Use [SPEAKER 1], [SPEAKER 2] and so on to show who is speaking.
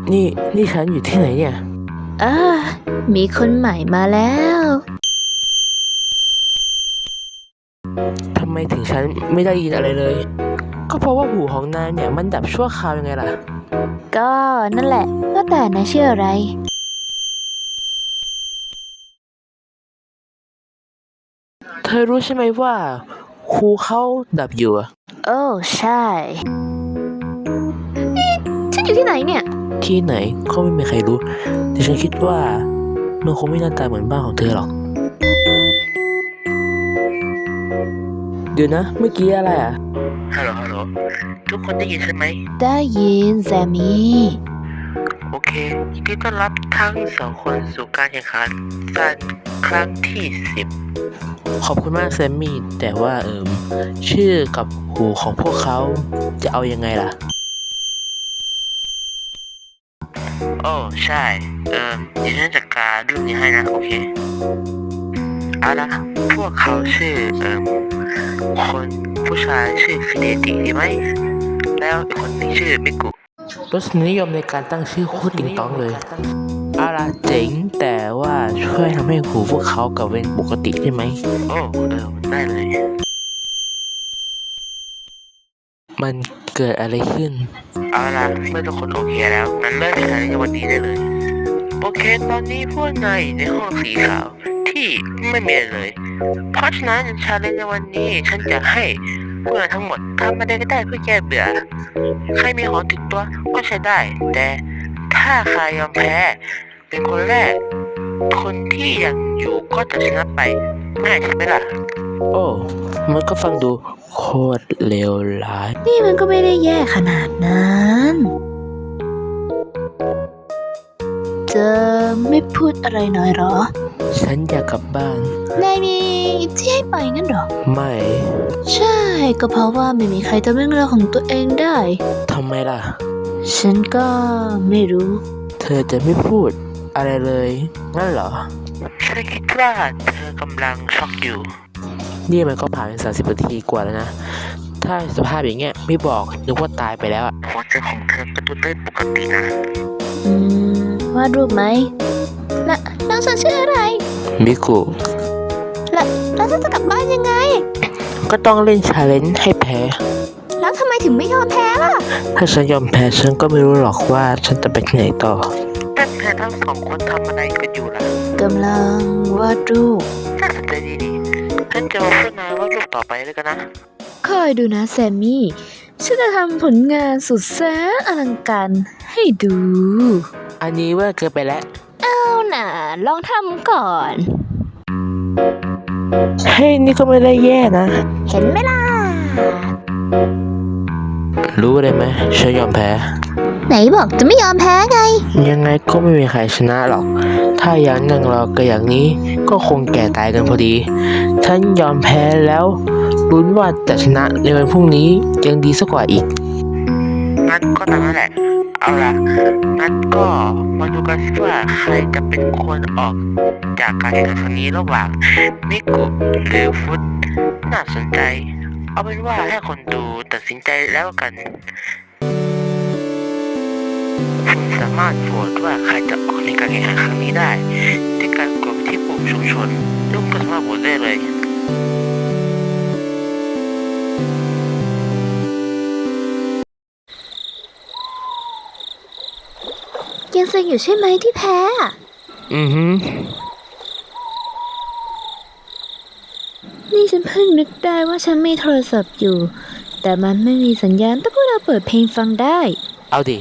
[SPEAKER 1] นี่นี่ฉันอยู่ที่ไหนเนี่ย
[SPEAKER 2] อ่ามีคนใหม่มาแล้ว
[SPEAKER 1] ทำไมถึงฉันไม่ได้ยินอะไรเลย ก็เพราะว่าหูของนายเนี่ยมันดับชั่วคราวยังไงล่ะ
[SPEAKER 2] ก็นั่นแหละว่าแต่นายชื่ออะไร
[SPEAKER 1] เธอรู้ใช่ไหมว่าครูเขาดับอยู่อะ
[SPEAKER 2] โอ้ใช่นี่ฉันอยู่ที่ไหนเนี่ย
[SPEAKER 1] ที่ไหนก็ไม่มีใครรู้ แต่ฉันคิดว่ามันคงไม่หน้าตาเหมือนบ้านของเธอหรอก เดี๋ยวนะเมื่อกี้อะไรอ่ะฮัลโหลฮัลโหลทุกคนได้ยินใช่ไหม
[SPEAKER 2] ได้ยินแซมมี่
[SPEAKER 1] โอเคยินดีต้อนรับทั้งสองคนสู่การแข่งขันกันครั้งที่ 10 ขอบคุณมากแซมมี่แต่ว่าชื่อกับหูของพวกเขาจะเอายังไงล่ะ โอ้ใช่เดี๋ยวฉันจัดการเรื่องนี้ให้นะโอเคเอาละพวกเขาชื่อคนผู้ชายชื่อฟิเดติใช่ไหมแล้วอีกคนนึงชื่อมิกุรสนิยมในการตั้งชื่อโคตรติงตองเลยเอาละเจ๋งแต่ว่าช่วยทำให้หูพวกเขากลับเป็นปกติได้ไหมโอ้ได้เลย มันเกิดอะไรขึ้นเอาล่ะเมื่อทุกคนโอเคแล้วงั้นเริ่มแข่งขันในวันนี้ได้เลยโอเคตอนนี้พวกนายอยู่ในห้องสีขาวที่ไม่มีอะไรเลย เพราะฉะนั้นชาเลนจ์ในวันนี้ฉันจะให้พวกนายทั้งหมดทำอะไรก็ได้เพื่อแก้เบื่อใครมีของติดตัวก็ใช้ได้ แต่ถ้าใครยอมแพ้เป็นคนแรก คนที่ยังอยู่ก็จะชนะไปง่ายใช่ไหมล่ะโอ้มันก็ฟังดูโคตรเลวร้าย
[SPEAKER 2] นี่มันก็ไม่ได้แย่ขนาดนั้นจะไม่พูดอะไรหน่อยเหรอ
[SPEAKER 1] ฉันอยากกลับบ้าน
[SPEAKER 2] นายมีที่ให้ไปงั้นเหรอ
[SPEAKER 1] ไม่
[SPEAKER 2] ใช่ก็เพราะว่าไม่มีใครทำเรื่องราวของตัวเองได้
[SPEAKER 1] ทำไมล่ะ
[SPEAKER 2] ฉันก็ไม่รู้
[SPEAKER 1] เธอจะไม่พูดอะไรเลยงั้นเหรอฉันคิดว่าเธอกำลังช็อกอยู่ นี่มันก็ผ่านไป30 นาทีกว่าแล้วนะ ถ้าสภาพอย่างเงี้ยไม่บอกนึกว่าตายไปแล้วหัวใจของเธอกระตุ้นได้ปกตินะ
[SPEAKER 2] วาดรูปไหมแล้วน้องฉันชื่ออะไร
[SPEAKER 1] มิกุ
[SPEAKER 2] แล้วฉันจะกลับบ้านยังไง
[SPEAKER 1] ก็ต้องเล่นชาเลนจ์ให้แพ้
[SPEAKER 2] แล้วทำไมถึงไม่ยอมแพ้ล่ะ
[SPEAKER 1] ถ้าฉันยอมแพ้ฉันก็ไม่รู้หรอกว่าฉันจะไปที่ไหนต่อแต่เธอทั้งสองคนทำอะไรกันอยู่ล่ะ
[SPEAKER 2] กำลังวาดรูป
[SPEAKER 1] น่าสนใจดีนี่ฉันจะมาพูดนายว่ารูปต่อไปเลยกันนะ
[SPEAKER 2] คอยดูนะแซมมี่ ฉันจะทำผลงานสุดแสนอลังการให้ดู
[SPEAKER 1] อันนี้เว่าเกินไปแล้ว
[SPEAKER 2] เอาน่ะลองทำก่อน
[SPEAKER 1] เฮ้ยนี่ก็ไม่ได้แย่นะ
[SPEAKER 2] เห็นไหมล่ะ
[SPEAKER 1] รู้เลยไหมฉันยอมแพ้
[SPEAKER 2] ไหนบอกจะไม่ยอมแพ้ไง
[SPEAKER 1] ยังไงก็ไม่มีใครชนะหรอก ถ้าอย่างนั่งรอกันอย่างนี้ก็คงแก่ตายกันพอดี ฉันยอมแพ้แล้วลุ้นว่าจะชนะในวันพรุ่งนี้ยังดีสักกว่าอีกงั้นก็ตามนั้นแหละ เอาล่ะงั้นก็มาดูกันสิว่าใครจะเป็นคนออกจากการแข่งขันครั้งนี้ระหว่างมิกุหรือฟุตน่าสนใจ เอาเป็นว่าให้คนดูตัดสินใจแล้วกัน คุณสามารถโหวตว่าใครจะออกในการแข่งขันครั้งนี้ได้ด้วยการกดไปที่ปุ่มชุมชนทุกคนสามารถโหวตได้เลย
[SPEAKER 2] ยังเซ็งอยู่ใช่ไหมที่แพ้อะ
[SPEAKER 1] อือฮึ
[SPEAKER 2] นี่ฉันเพิ่งนึกได้ว่าฉันมีโทรศัพท์อยู่ แต่มันไม่มีสัญญาณแต่พวกเราเปิดเพลงฟังได้
[SPEAKER 1] เอาดิ